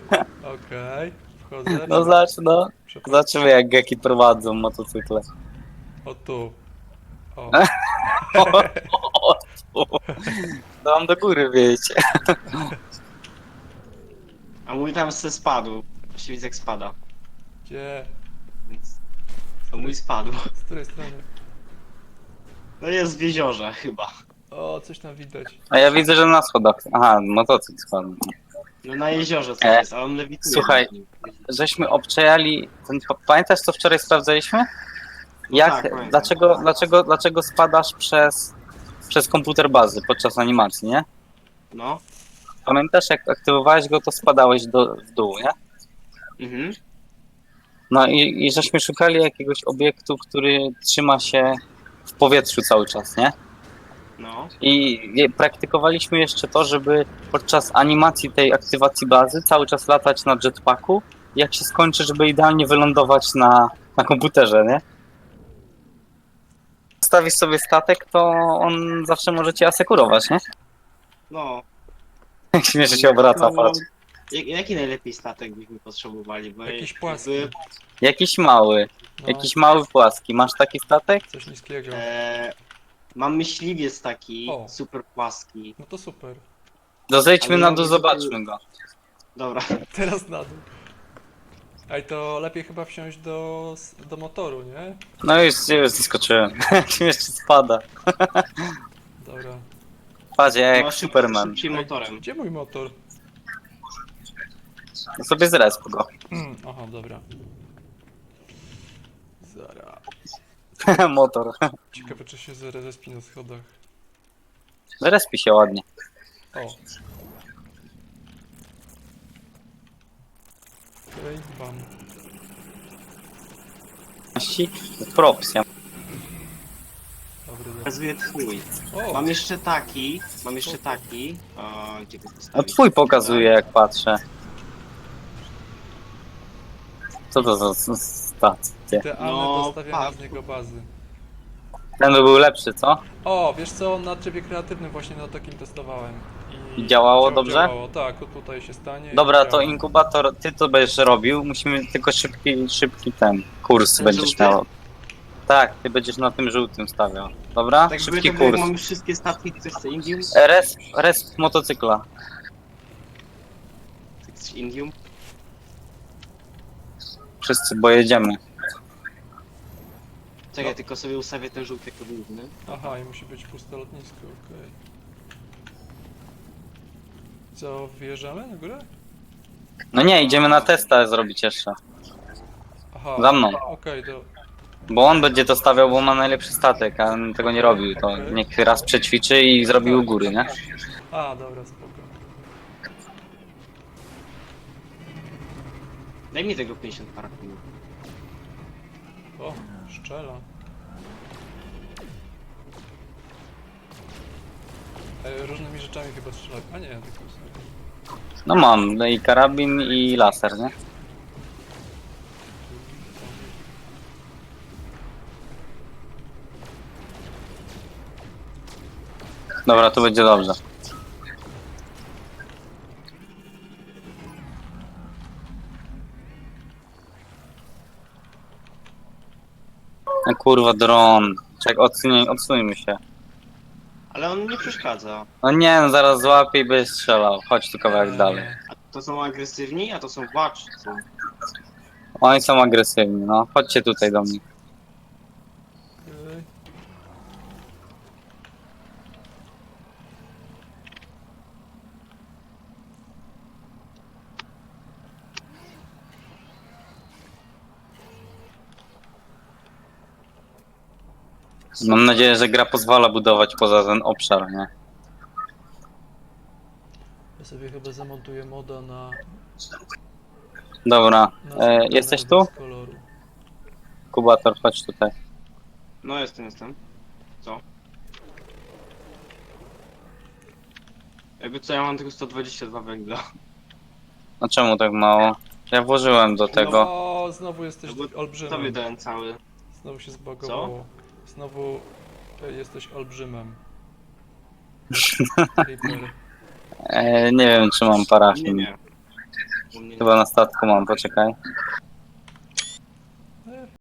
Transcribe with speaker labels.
Speaker 1: Okej, wchodzę.
Speaker 2: No zobacz, no.
Speaker 1: Przepraszam.
Speaker 2: Zobaczymy jak geki prowadzą motocykle.
Speaker 1: O tu. O.
Speaker 2: O, dam do góry, wiecie.
Speaker 3: A mój tam se spadł. Właściwie widzę jak spada.
Speaker 1: Gdzie?
Speaker 3: Więc... To mój spadł.
Speaker 1: Z której strony?
Speaker 3: No jest w jeziorze chyba.
Speaker 1: O, coś tam widać.
Speaker 2: A ja widzę, że na schodach. Aha, motocykl spadł.
Speaker 3: No na jeziorze coś jest, ale on lewituje.
Speaker 2: Słuchaj.
Speaker 3: nad nim.
Speaker 2: Żeśmy obczajali. Pamiętasz co wczoraj sprawdzaliśmy?
Speaker 3: No
Speaker 2: Jak,
Speaker 3: tak, pamiętam.
Speaker 2: dlaczego spadasz przez komputer bazy podczas animacji, nie?
Speaker 3: No.
Speaker 2: Pamiętasz jak aktywowałeś go, to spadałeś w dół, nie?
Speaker 3: Mhm.
Speaker 2: No i żeśmy szukali jakiegoś obiektu, który trzyma się w powietrzu cały czas, nie?
Speaker 3: No.
Speaker 2: I praktykowaliśmy jeszcze to, żeby podczas animacji tej aktywacji bazy cały czas latać na jetpacku. Jak się skończy, żeby idealnie wylądować na komputerze, nie? Stawisz sobie statek, to on zawsze może cię asekurować, nie?
Speaker 3: No.
Speaker 2: Jak śmiesznie się obraca, patrz.
Speaker 3: Jaki najlepiej statek byśmy potrzebowali? Bo
Speaker 1: Jakiś
Speaker 3: jakby-
Speaker 1: płaski.
Speaker 2: Jakiś mały,
Speaker 1: No,
Speaker 2: jakiś mały płaski. Masz taki statek?
Speaker 1: coś niskiego.
Speaker 3: Mam myśliwiec taki,
Speaker 1: O.
Speaker 3: super płaski.
Speaker 1: No to super.
Speaker 2: To zejdźmy
Speaker 3: Ale
Speaker 2: na
Speaker 3: ja
Speaker 2: dół,
Speaker 3: mówię,
Speaker 2: zobaczmy go.
Speaker 3: Dobra.
Speaker 1: Teraz na dół. Ej, to lepiej chyba wsiąść do motoru, nie?
Speaker 2: No już zeskoczyłem. Jak śmiesznie spada.
Speaker 1: Dobra.
Speaker 2: Patrz, ja jak
Speaker 3: No,
Speaker 2: Superman.
Speaker 3: Szybciej motorem.
Speaker 1: Gdzie mój motor?
Speaker 2: No sobie zresp go.
Speaker 1: Aha, dobra. Zara.
Speaker 2: Motor.
Speaker 1: Ciekawe, czy się zrespi na schodach.
Speaker 2: Zrespi się ładnie.
Speaker 1: O. Okej, bam.
Speaker 2: Propsja.
Speaker 1: Dobry, dobry.
Speaker 3: Pokazuję twój.
Speaker 1: O!
Speaker 3: Mam jeszcze taki. Gdzie go
Speaker 2: No
Speaker 3: postawić?
Speaker 2: twój pokazuje jak patrzę. Co to za stacje?
Speaker 1: Idealne
Speaker 3: No,
Speaker 1: do stawiania
Speaker 3: patrz.
Speaker 1: z niego bazy.
Speaker 2: Ten by był lepszy, co?
Speaker 1: O, wiesz co, na trybie kreatywnym właśnie na takim testowałem.
Speaker 2: I działało dobrze?
Speaker 1: Działało, tak, tutaj się stanie.
Speaker 2: Dobra,
Speaker 1: i
Speaker 2: to
Speaker 1: działa.
Speaker 2: inkubator, ty to będziesz robił. Musimy tylko szybki ten kurs
Speaker 3: Ten
Speaker 2: będziesz
Speaker 3: żółty?
Speaker 2: miał. Tak, ty będziesz na tym żółtym stawiał. Dobra?
Speaker 3: Tak
Speaker 2: Szybki
Speaker 3: żeby
Speaker 2: kurs.
Speaker 3: mamy wszystkie statki, chcesz chce Indium?
Speaker 2: Resp motocykla.
Speaker 3: Chcesz Indium?
Speaker 2: Wszyscy, bo jedziemy.
Speaker 3: Czekaj, tylko sobie ustawię ten żółty jako główny.
Speaker 1: Aha, i musi być puste lotnisko, okej. Co, wjeżdżamy na górę?
Speaker 2: No nie, idziemy na testa zrobić jeszcze.
Speaker 1: Aha.
Speaker 2: Za mną.
Speaker 1: Okej, to...
Speaker 2: Bo on będzie to stawiał, bo ma najlepszy statek, a on tego nie robił. To niech raz przećwiczy i zrobi u góry, nie?
Speaker 1: A, dobra, spoko.
Speaker 3: Daj mi tego 50 parafinu.
Speaker 1: O, szczela. Różnymi rzeczami chyba strzelać. A nie, tylko sobie.
Speaker 2: No mam, no i karabin i laser, nie? Dobra, to będzie dobrze. No kurwa, dron. Czek, odsuńmy się.
Speaker 3: Ale on nie przeszkadza.
Speaker 2: No nie, no zaraz złapie i będzie strzelał. Chodź tu kawałek dalej.
Speaker 3: A to są agresywni, a to są władcy.
Speaker 2: Oni są agresywni, no. Chodźcie tutaj do mnie.
Speaker 1: Okej.
Speaker 2: Mam nadzieję, że gra pozwala budować poza ten obszar, nie?
Speaker 1: Ja sobie chyba zamontuję moda na...
Speaker 2: Dobra,
Speaker 1: na
Speaker 2: jesteś
Speaker 1: bez
Speaker 2: tu?
Speaker 1: koloru.
Speaker 2: Kubator, chodź tutaj.
Speaker 3: No jestem. Co? Jakby co, ja mam tylko 122 węgla.
Speaker 2: No czemu tak mało? Ja włożyłem do tego.
Speaker 1: O, znowu jesteś
Speaker 3: No bo tobie
Speaker 1: olbrzymem.
Speaker 3: dałem cały.
Speaker 1: Znowu się zbagowało. Znowu jesteś olbrzymem. Creeper.
Speaker 2: Nie wiem, czy mam
Speaker 3: Nie,
Speaker 2: parafin.
Speaker 3: nie. U mnie
Speaker 2: Chyba na statku mam, poczekaj.